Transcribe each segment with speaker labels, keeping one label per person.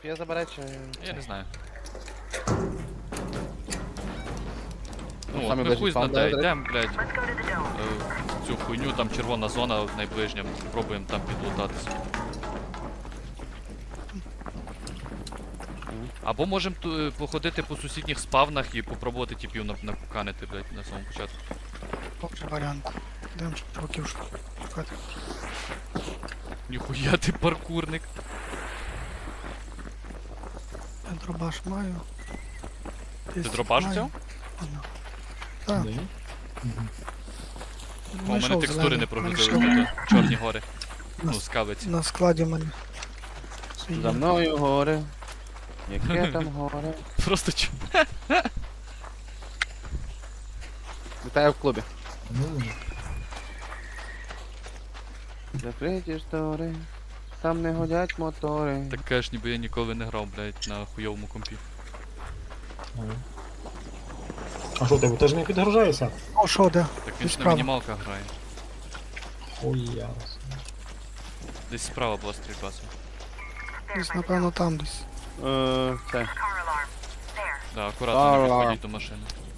Speaker 1: Спія забере чи...
Speaker 2: Я не знаю.
Speaker 1: Ну,
Speaker 2: Ну,
Speaker 1: самі
Speaker 2: ми
Speaker 1: ближче
Speaker 2: хуй
Speaker 1: спам,
Speaker 2: знаде,
Speaker 1: да,
Speaker 2: йдемо, блядь, в цю хуйню, там червона зона найближня, пробуємо там підлутатися. Або можемо походити по сусідніх спавнах і попробувати типів накуканити, блядь, на самому початку.
Speaker 3: Добрий варіант. Йдемо чуваків шукати.
Speaker 2: Ніхуя ти паркурник.
Speaker 3: Я дробаш маю.
Speaker 2: Ти дробаш взяв?
Speaker 3: Так.
Speaker 2: У мене текстури не прогрузили, тут чорні гори. Ну, скавиці.
Speaker 3: На складі в мене.
Speaker 1: За мною горе. Яке там горе.
Speaker 2: Просто чо.
Speaker 1: Вітаю в клубі. Закриті штори. Там не годять мотори.
Speaker 2: Так кажеш, ніби я ніколи не грав, блядь, на хуйовому компі.
Speaker 4: А що тебе теж не підгружаєшся?
Speaker 3: О, що, де?
Speaker 2: Так він ж на
Speaker 3: Справа.
Speaker 2: мінімалках грає.
Speaker 4: Хуя.
Speaker 2: Десь справа була стрільба.
Speaker 3: Десь, напевно, там десь.
Speaker 1: Це.
Speaker 2: Да, акуратно не
Speaker 1: Ара.
Speaker 2: підходіть до машини.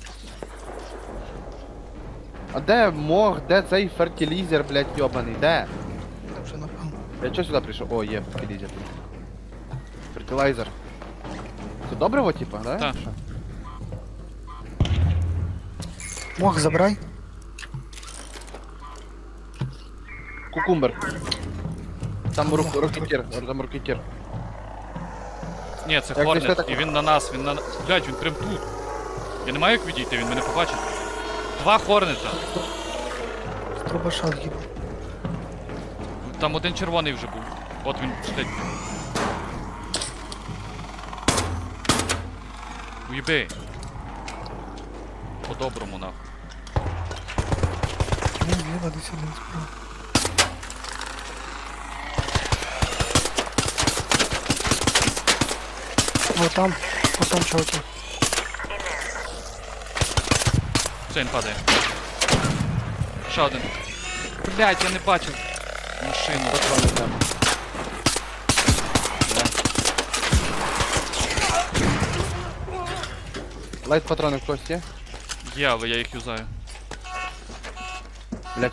Speaker 1: А де мох, де цей фертилізер, блядь, йобаний, де?
Speaker 3: Де вже, напевно.
Speaker 1: Я чого сюди прийшов? О, є фертилізер. Фертилайзер. Це добриво, типа, да?
Speaker 2: Так.
Speaker 1: Що?
Speaker 3: Мох забирай.
Speaker 1: Кукумбер. Там рокетір, там рокетір.
Speaker 2: Ні, це
Speaker 1: Як
Speaker 2: Хорнет,
Speaker 1: десь так-
Speaker 2: і він на нас, він на... Блядь, він прям тут. Я не маю як відійти, він мене побачить. Два Хорнета.
Speaker 3: З дробаша з'їбав.
Speaker 2: Там один червоний вже був. От він, блядь. Уїби. По-доброму, нахуй.
Speaker 3: Ні, зліва десь один справа. О, там чуваки.
Speaker 2: Все, він падає. Ще один. Блядь, я не бачив. Машину.
Speaker 1: Патрони треба. Лайт патрони в когось є?
Speaker 2: Є, але я їх юзаю.
Speaker 1: Блять.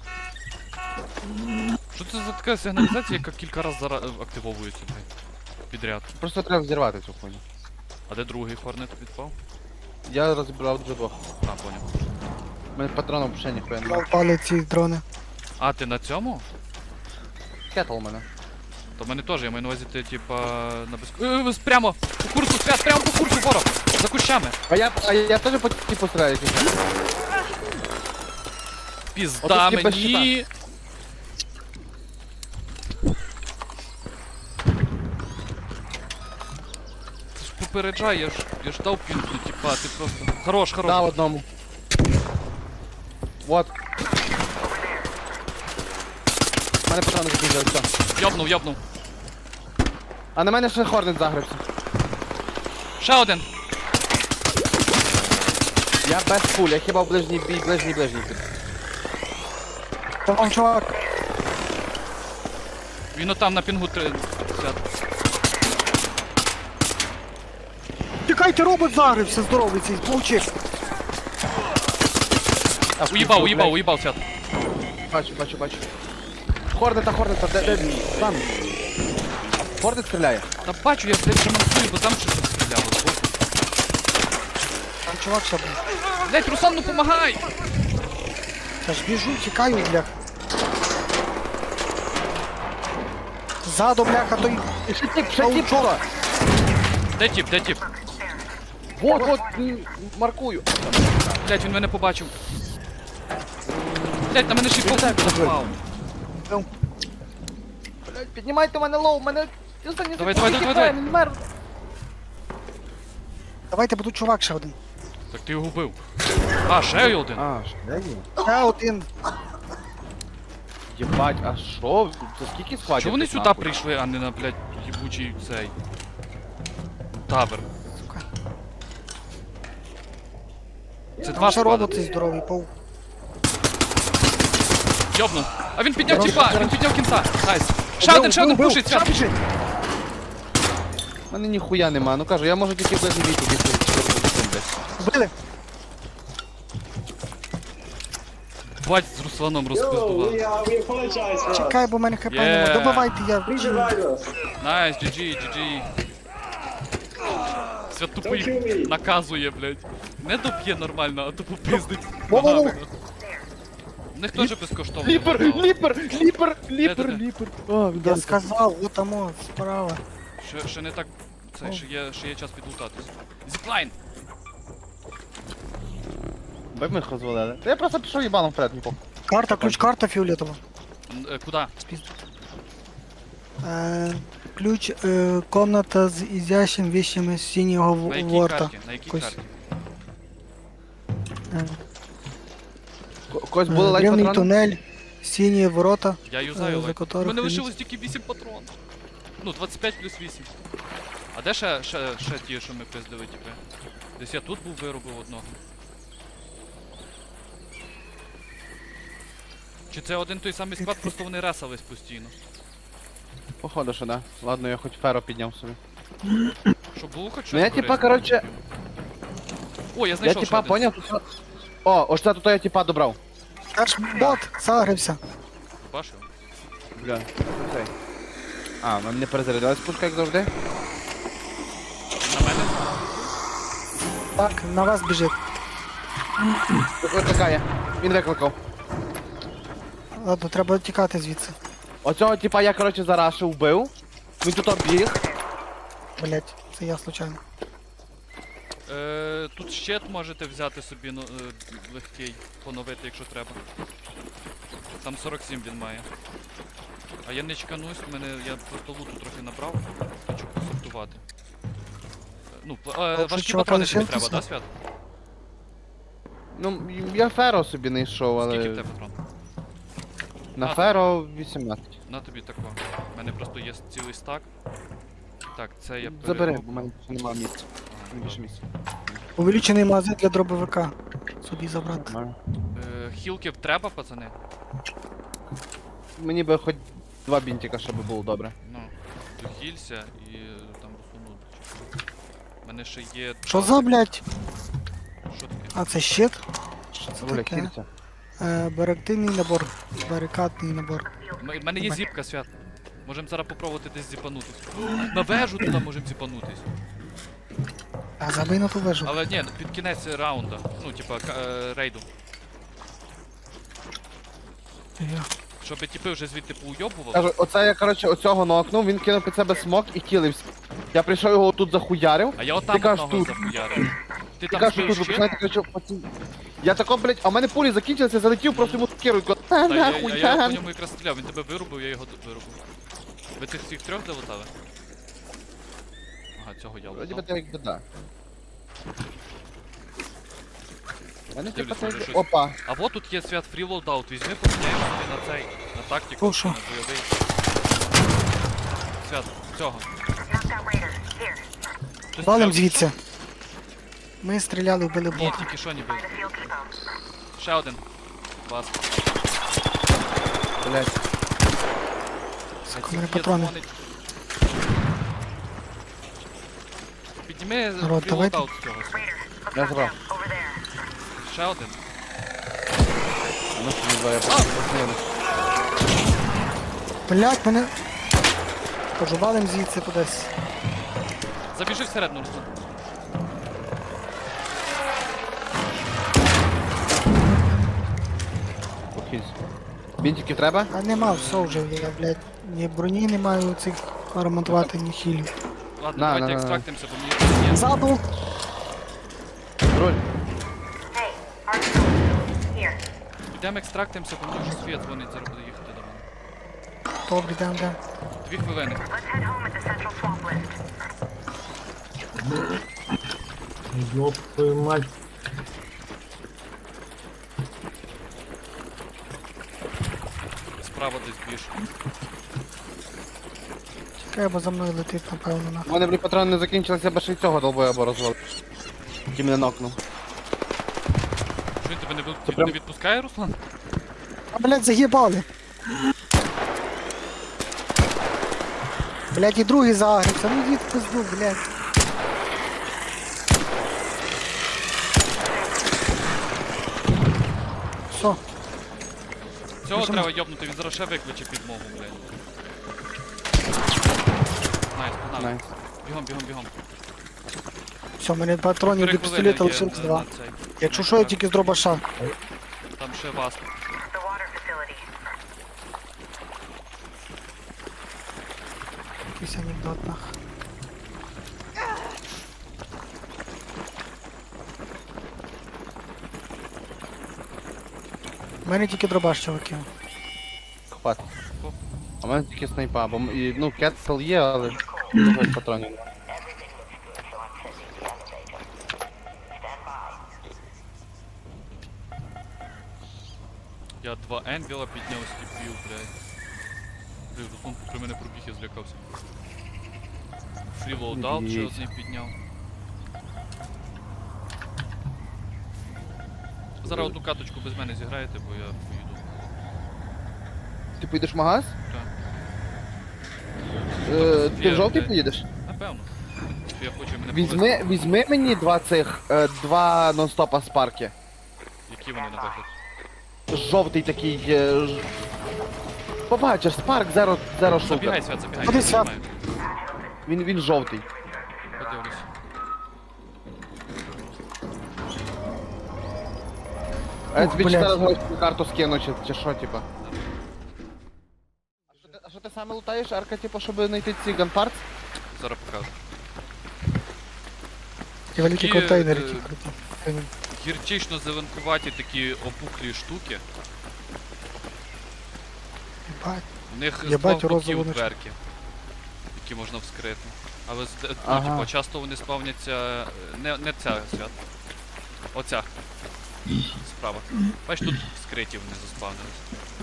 Speaker 2: Що це за така сигналізація, яка кілька разів активовується, блядь? Підряд.
Speaker 1: Просто треба взірвати цю хуйню.
Speaker 2: А де другий Хорнет відпав?
Speaker 1: Я розібрав вже двох.
Speaker 2: А, поняв.
Speaker 1: У мене патронів ще ніхуя немає.
Speaker 3: Впали ці дрони.
Speaker 2: А, ти на цьому?
Speaker 1: Кетл у мене.
Speaker 2: То в мене теж, я маю на увазі, ти типа на без... Прямо! По курсу, свят, прямо по курсу, ворог! За кущами!
Speaker 1: А я теж по типу стріляю.
Speaker 2: Пізда
Speaker 1: Отут типа
Speaker 2: мені! Ти ж попереджай, я ж дав пінку, типа, ти просто... Хорош, хорош!
Speaker 1: Да, одному. Вот. У мене патрони закінчилися, все.
Speaker 2: Йобнув.
Speaker 1: А на мене ще Хорнет загрився.
Speaker 2: Ще один!
Speaker 1: Я без пуль, я хіба в ближній бій, ближній.
Speaker 3: Там чувак.
Speaker 2: Він отам на пінгу 30.
Speaker 3: Тікайте, робот загрився, здоровий цей, мовчи.
Speaker 2: Уїбав, свят.
Speaker 1: Бачу. Хорнета, де? Там. Хорнет стріляє.
Speaker 2: Та бачу, я, блядь, ремонтую, бо там щось стріляло.
Speaker 3: Там чувак ще був.
Speaker 2: Блядь, Руслан, ну помагай!
Speaker 3: Я ж біжу, тікаю, бляха. Ззаду, бляха, той...
Speaker 1: Ще тип, чого?
Speaker 2: Де тип?
Speaker 1: Вот, маркую.
Speaker 2: Блядь, він мене побачив. Блядь, на мене ще й попав.
Speaker 1: Блять, піднімайте мене лоу, мене...
Speaker 2: Давай.
Speaker 1: Він мер.
Speaker 3: Давайте, бо тут чувак ще один.
Speaker 2: Так ти його вбив. А, ще один.
Speaker 1: А, де він?
Speaker 3: Ще один.
Speaker 1: Єбать, а що? Це скільки складів?
Speaker 2: Чого вони
Speaker 1: тут,
Speaker 2: сюди
Speaker 1: нахуй?
Speaker 2: прийшли, а не на, блядь, їбучий цей... Тавер.
Speaker 3: Сука.
Speaker 2: Це
Speaker 3: Там
Speaker 2: два
Speaker 3: ще
Speaker 2: склади.
Speaker 3: робот цей здоровий, пов.
Speaker 2: Йобнув. А він підняв
Speaker 3: Хорош,
Speaker 2: тіпа,
Speaker 3: хорош.
Speaker 2: він підняв кінта. Найс. Ще один
Speaker 3: Бив,
Speaker 2: пушить,
Speaker 3: ще
Speaker 2: свят.
Speaker 3: біжить.
Speaker 1: мене ніхуя нема. Ну кажу, я можу тільки без віку десь.
Speaker 3: Вбили?
Speaker 2: Бать, з Русланом розпиздував.
Speaker 5: we apologize for us.
Speaker 3: Чекай, бо в мене хп
Speaker 2: Є.
Speaker 3: нема. Добивайте, я.
Speaker 5: Please revive us.
Speaker 2: Найс, GG, GG. Свят тупо
Speaker 5: Don't kill
Speaker 2: їх
Speaker 5: me.
Speaker 2: наказує, блядь. Не доб'є нормально, а тупо пиздить.
Speaker 3: Во-во-во.
Speaker 2: ногами. В них теж безкоштовно.
Speaker 1: Ліпер,
Speaker 2: вокал.
Speaker 1: ліпер, ліпер, ліпер,
Speaker 2: Де-де-де?
Speaker 1: ліпер. О,
Speaker 3: Я
Speaker 1: да.
Speaker 3: сказав, вот там, справа.
Speaker 2: Ще не так. Це, ще є час підлутатись. Зіплайн!
Speaker 1: Ви ми їх розвалили. Та я просто пішов їбаном вперед, ні похуй.
Speaker 3: Карта, ключ-карта фіолетова.
Speaker 2: Куда?
Speaker 3: Спіздить. Ключ, комната з ізящим вещами синього
Speaker 2: На якій
Speaker 3: ворта.
Speaker 2: карті? На якій
Speaker 3: Якось.
Speaker 2: карті?
Speaker 3: Е,
Speaker 1: Когось були лайк
Speaker 3: Древній
Speaker 1: патрони?
Speaker 3: тунель, сині ворота.
Speaker 2: Я юзаю
Speaker 3: за
Speaker 2: лайк. У
Speaker 3: которых
Speaker 2: мене
Speaker 3: хранить-
Speaker 2: лишилось тільки 8 патрон. Ну, 25 плюс 8. А де ще ті, що ми пиздили, типи? Десь я тут був, виробив одного. Чи це один той самий склад, просто вони ресались постійно?
Speaker 1: Походу, що да. Ладно, я хоч феро підняв собі.
Speaker 2: Щоб було хоч щось
Speaker 1: Ну я типа,
Speaker 2: корисне.
Speaker 1: короче,
Speaker 2: О, я
Speaker 1: я
Speaker 2: знайшов
Speaker 1: типа
Speaker 2: ще один.
Speaker 1: поняв, що... О, ось це тут я типа добрав.
Speaker 3: Аж бот загрився.
Speaker 2: Бачив?
Speaker 1: Бля, цей. А, нам не перезарядилась пушка, як завжди.
Speaker 2: На мене?
Speaker 3: Так, на вас біжить.
Speaker 1: Викликає. Він викликав.
Speaker 3: Ладно, треба тікати звідси.
Speaker 1: Оцього типа я, короче, зарашив, вбив. Він тут обіг.
Speaker 3: Блять, це я случайно.
Speaker 2: Тут щит можете взяти собі легкий, поновити, якщо треба. Там 47 він має. А я не чеканусь, я просто луту трохи набрав, хочу посортувати. Ну, важкі
Speaker 3: чувака
Speaker 2: патрони тобі
Speaker 3: лишилося?
Speaker 2: треба, да, Свят?
Speaker 1: Ну, я феро собі не йшов,
Speaker 2: Скільки в
Speaker 1: але...
Speaker 2: тебе патрон?
Speaker 1: На
Speaker 2: А,
Speaker 1: феро 18.
Speaker 2: На тобі тако. У мене просто є цілий стак. Так, це я
Speaker 1: Забери,
Speaker 2: перероблю.
Speaker 1: бо в мене більше немає місця.
Speaker 2: Ага,
Speaker 1: Більше
Speaker 2: добре.
Speaker 1: місця.
Speaker 3: Увеличений магазин для дробовика. Собі забрати.
Speaker 1: Нормально.
Speaker 2: Хілків треба, пацани?
Speaker 1: Мені би хоч 2 бінтика, щоб було добре.
Speaker 2: Ну, дохілься і там русунуть. У мене ще є...
Speaker 3: Що за, блять?
Speaker 2: Що таке?
Speaker 3: А це щит? Що це
Speaker 1: Бля,
Speaker 3: таке?
Speaker 1: кільця.
Speaker 3: Барактивний набор. Барикадний набор.
Speaker 2: У мене є зіпка, Свят. Можемо зараз попробувати десь зіпанутись. На вежу туди можемо зіпанутись.
Speaker 3: А забий на ту вежу.
Speaker 2: Але ні, під кінець раунда. Ну, типа, рейду.
Speaker 3: Я.
Speaker 2: Щоб типи вже звідти поуйобували.
Speaker 1: Кажу, оце я, короче, оцього нокнув, він кинув під себе смок і кілився. Я прийшов його тут захуярив.
Speaker 2: А я отам
Speaker 1: кажеш,
Speaker 2: одного
Speaker 1: тут.
Speaker 2: захуярив. Ти
Speaker 1: Ти
Speaker 2: там
Speaker 1: кажеш,
Speaker 2: збив
Speaker 1: тут, ви
Speaker 2: щит?
Speaker 1: починаєте, короче, я тако, блять, а в мене пулі закінчилися, я залетів, просто йому керую,
Speaker 2: Та
Speaker 1: нахуй,
Speaker 2: я по ньому якраз стріляв, він тебе вирубив, я його вирубив. Ви цих всіх трьох залутали? Ага, цього я
Speaker 1: Вроді би
Speaker 2: лутав.
Speaker 1: так якби да. Мене
Speaker 2: Дивлюсь,
Speaker 1: типа
Speaker 2: може
Speaker 1: це...
Speaker 2: щось.
Speaker 1: Опа.
Speaker 2: А вот тут є Свят фрі лоудаут, візьми, поміняємо собі на цей, на тактику,
Speaker 3: О, що?
Speaker 2: на бойовий. Свят, цього. Хтось
Speaker 3: Валим
Speaker 2: стріляв?
Speaker 3: звідси. Ми стріляли, вбили
Speaker 2: Ні,
Speaker 3: бота.
Speaker 2: тільки що ніби. Ще один. Бас.
Speaker 1: Блять.
Speaker 3: Сука, у мене патрони.
Speaker 2: Підніми
Speaker 3: Народ,
Speaker 2: фрі
Speaker 3: давайте.
Speaker 2: лоудаут з цього.
Speaker 1: Я забрав.
Speaker 2: Ще один.
Speaker 1: Ну що не знаю, я просто
Speaker 3: Блять, мене... Кажу, валим звідси кудись.
Speaker 2: Забіжи всередину, Руслан.
Speaker 1: Похилься. Бінтики треба?
Speaker 3: А нема, все вже, я, блядь, ні броні не маю цих ремонтувати, ні хілів.
Speaker 2: Ладно,
Speaker 1: На,
Speaker 2: давайте
Speaker 1: на.
Speaker 2: екстрактимося, бо мені є.
Speaker 3: Ззаду!
Speaker 1: Роль.
Speaker 2: Підемо екстрактимося, бо мені вже світ дзвонить, зараз буде їхати до мене.
Speaker 3: Добре, дам.
Speaker 2: 2 хвилини.
Speaker 4: Ёб твою мать.
Speaker 2: Справа десь біж.
Speaker 3: Чекай, бо за мною летить, напевно, на.
Speaker 1: У мене, блін, патрони не закінчилися, я б ще й цього долбоя або розвалив. Який мене нокнув.
Speaker 2: Що він тебе
Speaker 1: Це прям-
Speaker 2: не відпускає, Руслан?
Speaker 3: А, блядь, заїбали! Блядь, і другий загрився. Ну йди в пизду, блядь. Все,
Speaker 2: Цього
Speaker 3: Біжимо.
Speaker 2: треба йобнути, він зараз ще викличе підмогу, блядь. Найс, погнали.
Speaker 1: Найс.
Speaker 2: Бігом, бігом, бігом.
Speaker 3: все, в мене патронів до
Speaker 2: 4 хвилини
Speaker 3: пістолета
Speaker 2: є
Speaker 3: лишилось
Speaker 2: на-
Speaker 3: 2.
Speaker 2: на цей.
Speaker 3: Якщо що, я тільки з дробаша.
Speaker 2: Там ще вас.
Speaker 3: Якийсь анекдот нах. У мене тільки дробаш, чуваки.
Speaker 1: Хват. А в мене тільки снайпа, бо ну кетсел є, але других патронів немає.
Speaker 2: Я 2 енвіла підняв сліпів, блядь. Блядь, Руслан при мене пробіг, я злякався. Фрілоудаут ще
Speaker 1: Ідіть.
Speaker 2: одний підняв. Зараз одну каточку без мене зіграєте, бо я поїду.
Speaker 1: Ти поїдеш в магаз?
Speaker 2: Так.
Speaker 1: Ти в жовтий
Speaker 2: блядь.
Speaker 1: поїдеш?
Speaker 2: Напевно. Я хочу мене
Speaker 1: Візьми мені два нон-стопа з парки.
Speaker 2: Які вони на вигляд?
Speaker 1: Жовтий такий. Побачиш, Spark Zero
Speaker 2: Забігай,
Speaker 1: Shooter.
Speaker 2: Свят, забігай.
Speaker 3: Ходи,
Speaker 2: я
Speaker 3: Свят.
Speaker 2: знімаю.
Speaker 1: Він жовтий.
Speaker 2: Подивлюсь.
Speaker 1: А я
Speaker 3: Ух,
Speaker 1: тобі
Speaker 3: блядь.
Speaker 1: 4 гроші карту скину, чи що, типа. А що ти саме лутаєш, Арка, типу, щоб знайти ці ганпартс?
Speaker 2: Зараз покажу.
Speaker 3: І великі
Speaker 2: Такі,
Speaker 3: контейнери,
Speaker 2: е,
Speaker 3: які круті.
Speaker 2: Гірчично зеленкуваті такі опухлі штуки.
Speaker 3: Бать.
Speaker 2: В них з
Speaker 3: Єбать,
Speaker 2: двох боків
Speaker 3: розову ночку.
Speaker 2: дверки, які можна вскрити. Але ну,
Speaker 1: Ага.
Speaker 2: типу, часто вони спавняться. Не ця свят. Оця. Справа. Бач, тут вскриті вони заспавнились.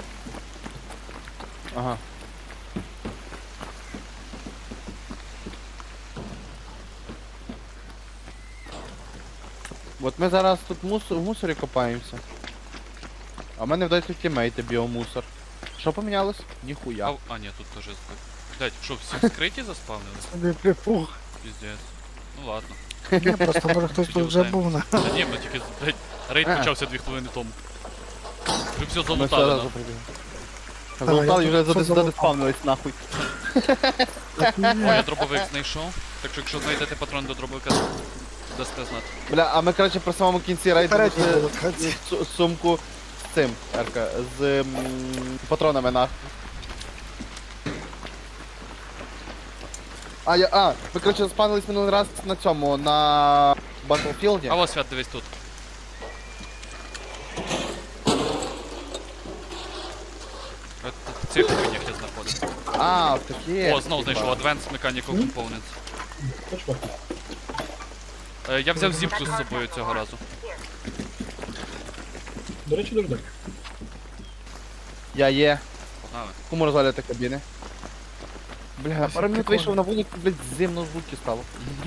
Speaker 1: Ага. От ми зараз тут в мусорі копаємося. А в мене вдається тімейти біомусор. Що помінялось? Ніхуя.
Speaker 2: А ні, тут теж збив. Блять, що, всі вскриті заспавнились?
Speaker 3: Собі припух.
Speaker 2: Піздець. Ну ладно.
Speaker 3: Ні, просто може хтось тут вже був на.
Speaker 2: Та ні, ми тільки, блять, рейд почався 2 хвилини тому. Вже все
Speaker 1: Ми все
Speaker 2: залутали,
Speaker 1: разу
Speaker 2: да?
Speaker 1: прибігли.
Speaker 3: я
Speaker 1: Залутали і вже
Speaker 3: тут все залутав.
Speaker 1: задеспавнились нахуй.
Speaker 2: О, я дробовик знайшов. Так що якщо знайдете патрон до дробовика, дасте знати.
Speaker 1: Бля, а ми, коротше, при самому кінці рейду
Speaker 3: Передній
Speaker 1: знайшли
Speaker 3: локації.
Speaker 1: сумку з цим, Арка, з патронами нахуй. Ви, коротше, спавнились минулий раз на цьому, на Battlefield.
Speaker 2: А ось Свят, дивись тут. В цих хуйнях я знаходив.
Speaker 1: А, такі.
Speaker 2: О, знову знайшов Advanced Mechanical Components.
Speaker 5: Точно.
Speaker 2: Я взяв зіпку з собою цього разу.
Speaker 5: До речі, дожди.
Speaker 1: Я є.
Speaker 2: Погнали.
Speaker 1: Кому розвалювати кабіни? Бля,
Speaker 3: Ось
Speaker 1: пару минут
Speaker 3: прикольно.
Speaker 1: вийшов на вулицю, блядь, зимно звуки стало.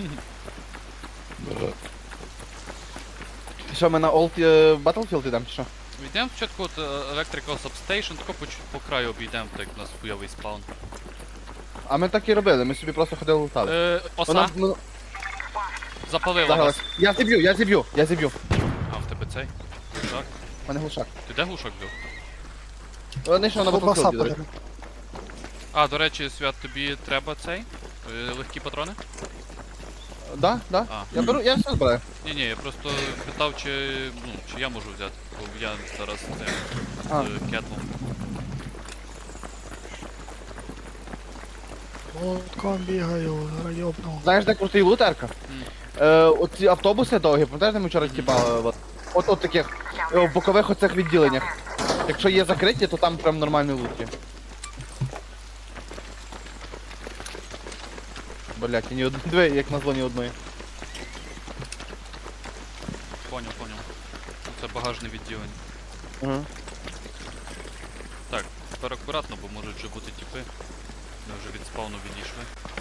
Speaker 1: Що, ми на Old Battlefield йдемо, чи що?
Speaker 2: Йдемо спочатку от Electrical Substation, тако по краю обійдемо, так як у нас хуйовий спаун.
Speaker 1: А ми так і робили, ми собі просто ходили лутали.
Speaker 2: Оса,
Speaker 1: Вона
Speaker 2: запалила
Speaker 1: загралась.
Speaker 2: нас.
Speaker 1: Я зіб'ю.
Speaker 2: А, в тебе цей? Глушак?
Speaker 1: У мене глушак.
Speaker 2: Ти де глушак взяв?
Speaker 1: Вони що на
Speaker 3: Ковбаса
Speaker 1: Battlefield, до речі.
Speaker 3: подарунок.
Speaker 2: А, до речі, Свят, тобі треба цей? Легкі патрони?
Speaker 1: Да.
Speaker 2: А.
Speaker 1: Я все збираю.
Speaker 2: Ні, я просто питав, чи я можу взяти, бо я зараз
Speaker 1: А.
Speaker 2: з кетлом.
Speaker 3: Лотком бігаю, райобну.
Speaker 1: Знаєш, де крутий лутерка? Оці автобуси довгі, пам'ятаєш, де ми вчора тіпали? От таких, в бокових оцих відділеннях. Якщо є закриті, то там прям нормальний лут є. Блять, і ні одної, як назло, ні одної.
Speaker 2: Поняв. Це багажне відділення.
Speaker 1: Угу.
Speaker 2: Так, тепер акуратно, бо можуть вже бути тіпи. Ми вже від спавну відійшли.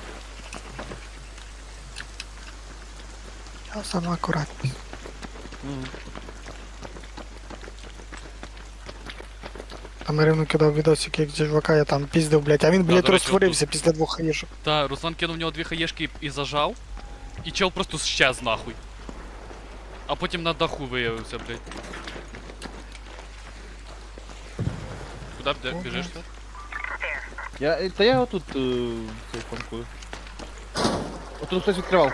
Speaker 3: Я сама акуратність. Там Ірину кидав відосик, як чувака, я там піздив, блядь, а він, блядь,
Speaker 2: до речі,
Speaker 3: розтворився після 2 хаєшок.
Speaker 2: Та, Руслан кинув в нього 2 хаєшки і зажав, і чел просто щез нахуй. А потім на даху виявився, блядь. Куди біжиш ти?
Speaker 1: Та я отут цей фанкую. Отут хтось відкривав.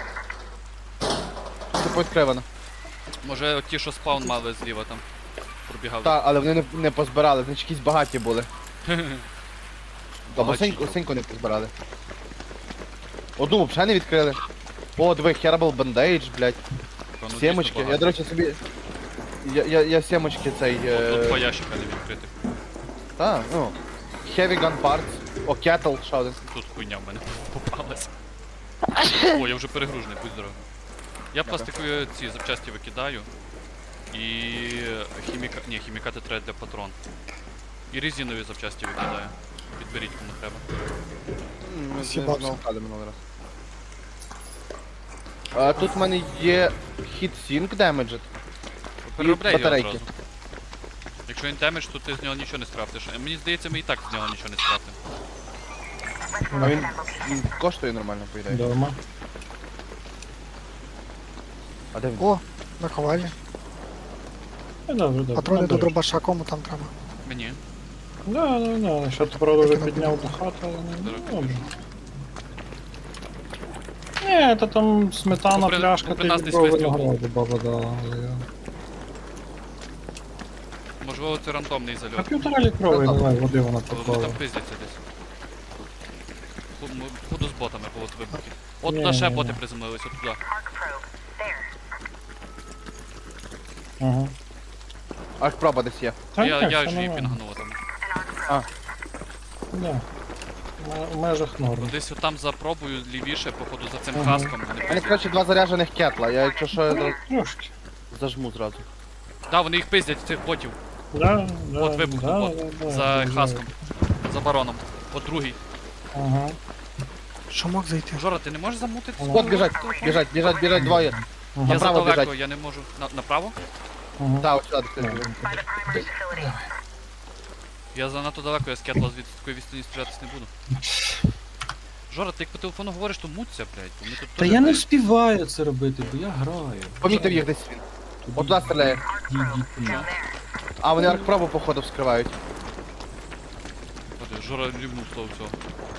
Speaker 1: Це повідкривано.
Speaker 2: Може ті, що спаун мали зліва там. Пробігали.
Speaker 1: Так, але вони не позбирали, значить якісь багаті були. Або
Speaker 2: Багачі.
Speaker 1: синьку не позбирали. Одну взагалі не відкрили. О, диви, Herbal Bandage, блядь.
Speaker 2: Та, ну, дійсно
Speaker 1: Сімочки. Я,
Speaker 2: багато.
Speaker 1: до речі, собі... Я сімочки цей...
Speaker 2: Тут 2 ящика не відкритих.
Speaker 1: Та, ну. Heavy Gun Parts. О, Kettle, ще один.
Speaker 2: Тут хуйня в мене попалась. О, я вже перегружений, будь здоровий. Я пластикові ці запчасті викидаю. І хімікати треба для патрон. І резинові запчасті викидаю. Підберіть кому треба.
Speaker 1: Ми
Speaker 3: Сібався.
Speaker 1: налутали минулий раз. А, тут в мене є Hit Sync Damaged.
Speaker 2: Переробляй його
Speaker 1: батарейки.
Speaker 2: одразу. Якщо він демедж, то ти з нього нічого не скрафтиш. Мені здається, ми і так з нього нічого не скрафтимо.
Speaker 1: А він коштує нормально, по ідеї.
Speaker 5: Дома.
Speaker 1: А де він?
Speaker 3: О, наковальня.
Speaker 5: Добре, добре.
Speaker 3: Патрони до
Speaker 5: Добре.
Speaker 3: дробаша, кому там треба?
Speaker 2: Мені.
Speaker 5: Да. Що ти, правда, вже підняв до хати, але не добре. Ні, то там сметана,
Speaker 2: Попри-
Speaker 5: пляшка,
Speaker 2: попри
Speaker 5: ти
Speaker 2: нас десь
Speaker 5: відбрав
Speaker 2: вистріл
Speaker 5: винограду, баба дала. але я-
Speaker 2: Можливо, це рандомний
Speaker 5: А
Speaker 2: зальот.
Speaker 5: 1,5 літровий, давай, води вона
Speaker 2: Вони там
Speaker 5: попала.
Speaker 2: пиздяться десь. Буду з ботами, бо от вибухи. От
Speaker 5: Ні,
Speaker 2: туди ще
Speaker 5: ні,
Speaker 2: боти
Speaker 5: ні.
Speaker 2: приземлились, от туди.
Speaker 5: Ага.
Speaker 1: Ах, проба десь є.
Speaker 5: Та
Speaker 2: Я
Speaker 5: ні,
Speaker 2: ж
Speaker 5: все
Speaker 2: її
Speaker 5: нормально.
Speaker 2: пінганув там.
Speaker 5: Да. В межах норм.
Speaker 2: Десь отам за пробою лівіше, походу за цим
Speaker 5: Ага.
Speaker 2: хаском.
Speaker 1: У мене, коротше, 2 заряджених кетла. Я якщо що, я
Speaker 5: Трошки.
Speaker 1: зажму зразу.
Speaker 2: Да, вони їх пиздять, цих ботів.
Speaker 5: Да,
Speaker 2: От вибухнув бот. За хаском. За бароном. От другий.
Speaker 5: Ага.
Speaker 3: Що мог зайти?
Speaker 2: Жора, ти не можеш замутити?
Speaker 1: От біжать двоє.
Speaker 2: Я
Speaker 1: Направо
Speaker 2: задалеко,
Speaker 1: біжать.
Speaker 2: я не можу. Направо?
Speaker 5: Ага.
Speaker 1: Так, от сюди хтось біжить.
Speaker 2: Я занадто далеко, я з кетла звідси такої відстані стрілятись не буду. Жора, ти як по телефону говориш, то муться, блядь, бо ми тут
Speaker 6: Та
Speaker 2: теж,
Speaker 6: я не
Speaker 2: блядь,
Speaker 6: вспіваю це робити, бо я граю.
Speaker 1: Помітив їх десь він. От туди стріляє.
Speaker 6: Ідіть на.
Speaker 1: А, вони аркпробу, походу, вскривають.
Speaker 2: Ходи, Жора рівнув того всього.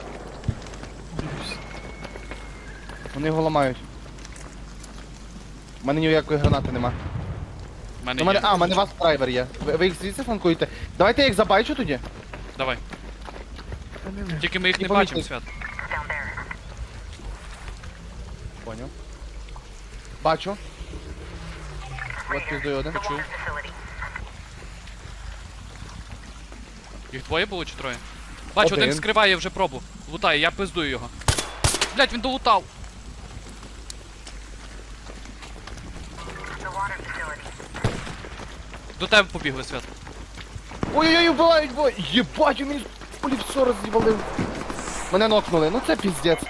Speaker 1: Вони його ламають. У мене ніякої гранати нема.
Speaker 2: У мене
Speaker 1: У мене,
Speaker 2: є.
Speaker 1: у мене вас драйвер є. Ви їх звідси фланкуєте? Давайте я їх забайчу тоді.
Speaker 2: Давай. Тільки ми їх
Speaker 1: Не
Speaker 2: не бачимо,
Speaker 1: помітив.
Speaker 2: Свят.
Speaker 1: Поняв. Бачу. От піздою один.
Speaker 2: Почув. Їх двоє було чи троє? Бачу, один
Speaker 1: Один.
Speaker 2: скриває вже пробу. Лутає, я пиздую його. Блять, він долутав. До тебе побігли, Свят.
Speaker 1: Ой-ой-ой, вбивають, бой! Єбать, він мені полі все роз'їбалив. Мене нокнули, ну це піздець.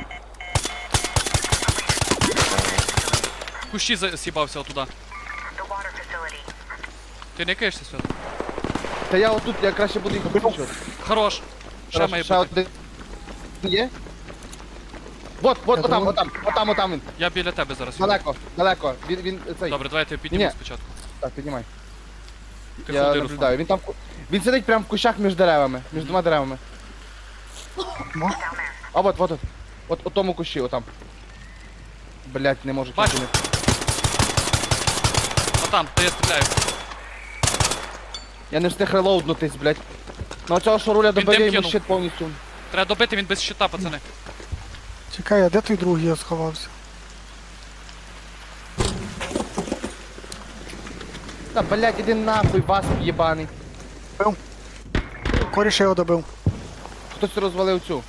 Speaker 2: В кущі з'їбався отуда. Ти не києшся, Свят?
Speaker 1: Та я отут, я краще буду їх обключувати.
Speaker 2: Хорош. Ще має
Speaker 1: Ще
Speaker 2: бути.
Speaker 1: один. Є? Вот, отам він.
Speaker 2: Я біля тебе зараз.
Speaker 1: Далеко. Він цей.
Speaker 2: Добре, давай я тебе підніму
Speaker 1: Ні.
Speaker 2: спочатку.
Speaker 1: Так, піднімай.
Speaker 2: Ти
Speaker 1: Я
Speaker 2: ходи,
Speaker 1: наблюдаю.
Speaker 2: Руслан.
Speaker 1: Він сидить прямо в кущах між деревами, між двома деревами.
Speaker 3: Мо?
Speaker 1: А от. От у тому кущі, отам. Блять, не можу
Speaker 2: Бачу.
Speaker 1: кинути.
Speaker 2: А там, де я стріляю.
Speaker 1: Я не встиг релоуднутись, блять. Ну оцього що руля
Speaker 2: Він
Speaker 1: добив, я
Speaker 2: дим
Speaker 1: йому
Speaker 2: кинув.
Speaker 1: щит повністю.
Speaker 2: Треба добити, він без щита, пацани.
Speaker 3: Чекай, а де той другий я сховався?
Speaker 1: Та блять, іди нахуй, вас єбаний.
Speaker 3: Коріша його добив.
Speaker 1: Хтось розвалив цю.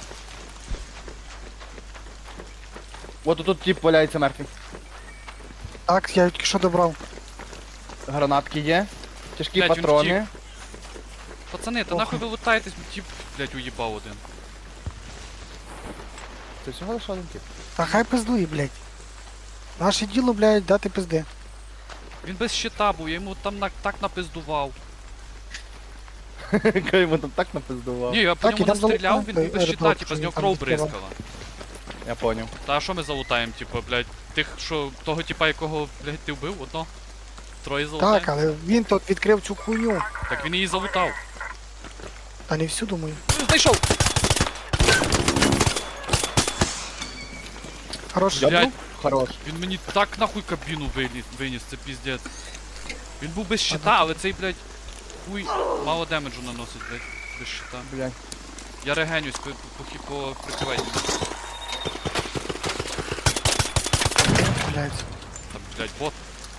Speaker 1: От тут тип валяється мертвий.
Speaker 3: Так, я тільки що добрав.
Speaker 1: Гранатки є. Тяжкі
Speaker 2: Блядь, він
Speaker 1: патрони.
Speaker 2: Пацани, та
Speaker 3: Ох.
Speaker 2: нахуй ви лутаєтесь, тип, блядь, уїбав один.
Speaker 1: Це всього лише один тип.
Speaker 3: Та хай пиздує, блядь. Наше діло, блядь, дати пизди.
Speaker 2: Він без щита був, я йому там так напиздував.
Speaker 1: Яка йому там так напиздував.
Speaker 2: Ні, я по
Speaker 3: Так,
Speaker 2: ньому
Speaker 3: і там
Speaker 2: не стріляв,
Speaker 3: залутав
Speaker 2: він був без
Speaker 3: той
Speaker 2: щита,
Speaker 3: аеродром,
Speaker 2: типа
Speaker 3: що
Speaker 2: з
Speaker 3: він
Speaker 2: нього
Speaker 3: там
Speaker 2: кров
Speaker 3: відкривав.
Speaker 2: бризкала.
Speaker 1: Я поняв.
Speaker 2: Та а що ми залутаємо, типу, блядь, тих, що того типа, якого, блядь, ти вбив, одно? Троє залутаємо?
Speaker 3: Так, але він тут відкрив цю хуйню.
Speaker 2: Так він її залутав.
Speaker 3: Та не всю, думаю.
Speaker 2: Знайшов!
Speaker 3: Хорош.
Speaker 2: Блядь.
Speaker 1: Хорош.
Speaker 2: Він мені так нахуй кабіну виніс, це піздець. Він був без щита, але цей, блядь, хуй мало демеджу наносить, блядь, без щита.
Speaker 1: Блядь.
Speaker 2: Я регенюсь, по прикривайте.
Speaker 3: Блядь.
Speaker 2: Там, блядь, бот.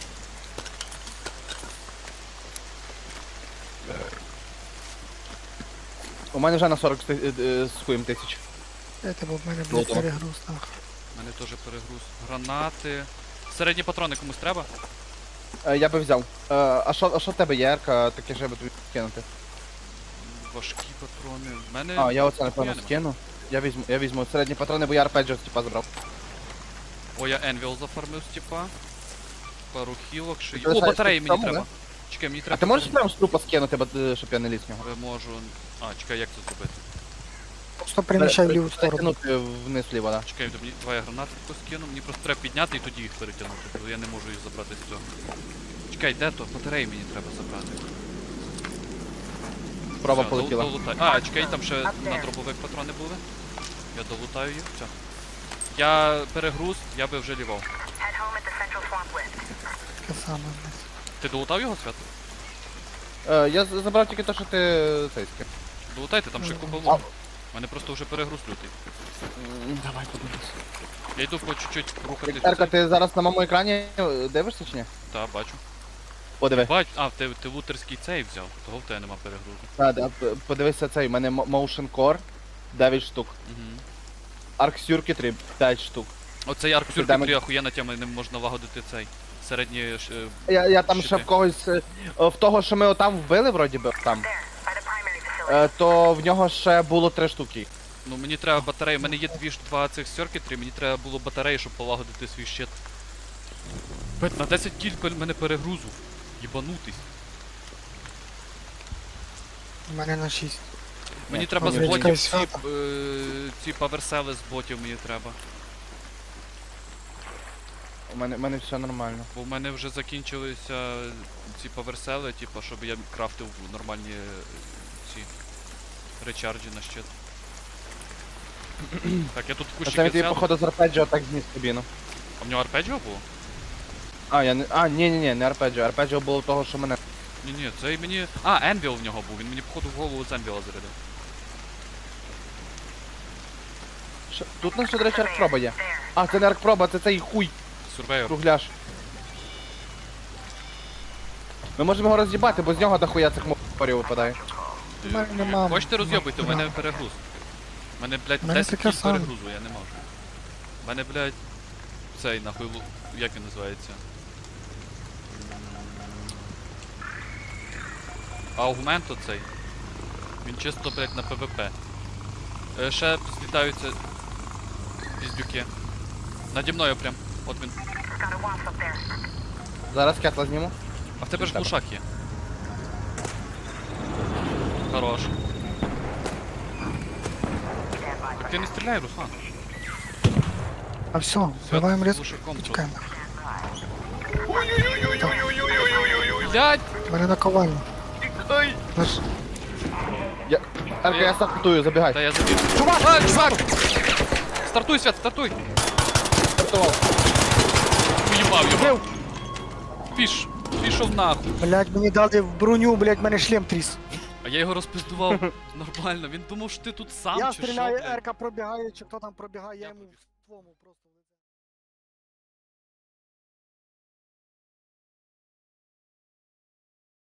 Speaker 1: У мене вже на 40 з хуєм тисяч.
Speaker 3: Це був в мене, блядь,
Speaker 1: Лутом.
Speaker 3: перегруз. Так.
Speaker 2: У мене теж перегруз. Гранати. Середні патрони комусь треба?
Speaker 1: Я би взяв. А що в тебе є, Ерка, таке ж я би тобі кинути?
Speaker 2: Важкі патрони. В мене.
Speaker 1: А, я оце напевно
Speaker 2: нема.
Speaker 1: скину. Я візьму середні патрони, бо я арпеджіо типа забрав.
Speaker 2: О, я Енвіл зафармив з типа. Пару хілок, ще є.
Speaker 1: Ти
Speaker 2: О,
Speaker 1: лишаєш
Speaker 2: батареї
Speaker 1: тут
Speaker 2: мені
Speaker 1: тому,
Speaker 2: треба. Чекай, мені треба.
Speaker 1: А ти можеш
Speaker 2: патрони.
Speaker 1: прямо з трупа скинути, щоб я не ліз в нього?
Speaker 2: Можу. А, чекай, як це зробити?
Speaker 3: Просто переміщай в ліву сторону.
Speaker 1: Перекинути вниз ліво, да.
Speaker 2: Чекай, давай я гранати тако скину. Мені просто треба підняти і тоді їх перетягнути, бо я не можу їх забрати з цього. Чекай, де то? Батареї мені треба забрати.
Speaker 1: Спроба
Speaker 2: Все,
Speaker 1: полетіла.
Speaker 2: долутай. А, чекай, там ще на дробовик патрони були. Я долутаю їх. Все. Я перегруз, я би вже лівав.
Speaker 3: Таке саме, блядь.
Speaker 2: Ти долутав його, Свят?
Speaker 1: Я забрав тільки те, що ти цей скин.
Speaker 2: Долутайте, там ще купа
Speaker 1: А.
Speaker 2: луту. У мене просто вже перегруз лютий.
Speaker 1: Давай подивись.
Speaker 2: Я йду по чуть-чуть рухатись.
Speaker 1: Ерка, ти зараз на моєму екрані дивишся чи ні?
Speaker 2: Так, бачу.
Speaker 1: Подиви.
Speaker 2: Бач, а, ти лутерський цей взяв, того в тебе нема перегрузу.
Speaker 1: Подивися цей, у мене Motion Core 9 штук.
Speaker 2: Угу.
Speaker 1: Arc Circuitry 5 штук.
Speaker 2: Оцей арк
Speaker 1: Ти дамо-
Speaker 2: Circuitry охуєнна тема, ним можна лагодити цей. Середній
Speaker 1: Я там ще
Speaker 2: щити.
Speaker 1: в когось. В того, що ми отам вбили, вроді би, там. То в нього ще було 3 штуки.
Speaker 2: Ну мені треба батареї, у мене є два цих Circuitry, мені треба було батареї, щоб полагодити свій щит. Бать, на 10 кіль в мене перегрузу. Єбанутись.
Speaker 3: У мене на 6.
Speaker 2: Мені
Speaker 1: Ні,
Speaker 2: треба з
Speaker 1: чекай,
Speaker 2: ботів
Speaker 3: свята.
Speaker 2: ці паверсели з ботів мені треба.
Speaker 1: У мене все нормально.
Speaker 2: Бо в мене вже закінчилися ці паверсели, типу, щоб я крафтив нормальні ці речарджі на щит. Так, я тут
Speaker 1: А
Speaker 2: кущики
Speaker 1: це він тобі,
Speaker 2: взяв.
Speaker 1: походу, з арпеджіо так зніс кабіну.
Speaker 2: А в нього арпеджіо було?
Speaker 1: Ні, не арпеджіо. Арпеджіо було того, що мене.
Speaker 2: Ні, це мені. А, Енвіл в нього був, він мені походу в голову з Енвіла зарядив.
Speaker 1: Тут у нас ще, до речі, аркпроба є. А, це не аркпроба, це цей хуй,
Speaker 2: Сурвейор.
Speaker 1: кругляш. Ми можемо його роз'їбати, бо з нього дохуя цих морів випадає.
Speaker 3: У мене нема.
Speaker 2: Хочете роз'єбуйте, у мене перегруз. У мене, блядь,
Speaker 3: У мене
Speaker 2: 10
Speaker 3: таке
Speaker 2: кіль
Speaker 3: саме.
Speaker 2: перегрузу, я не можу. У мене, блядь, цей нахуй, як він називається? Аугмент оцей. Він чисто, блядь, на ПВП. Ще злітаються піздюки. Наді мною прям. От він.
Speaker 1: Зараз кетла зніму.
Speaker 2: А в тебе ж глушак є. Хорош. Так ти не стріляй, Руслан.
Speaker 3: А все, вбиваємо різко.
Speaker 2: Глушаком тут.
Speaker 3: Чекаємо.
Speaker 2: Блядь!
Speaker 3: У мене наковальня. Наш...
Speaker 1: Ерка, я стартую, забігай.
Speaker 2: Та я забіг. Чувак! Стартуй, Свят, стартуй!
Speaker 1: Стартував.
Speaker 2: Уїбав його. Пішов нахуй.
Speaker 3: Блядь, мені дали в броню, блядь, мене шлем тріс.
Speaker 2: А я його розпиздував нормально. Він думав, що ти тут сам
Speaker 3: Я
Speaker 2: чи що,
Speaker 3: стріляю,
Speaker 2: блядь?
Speaker 3: Ерка пробігає, чи хто там пробігає, я йому в ствому просто.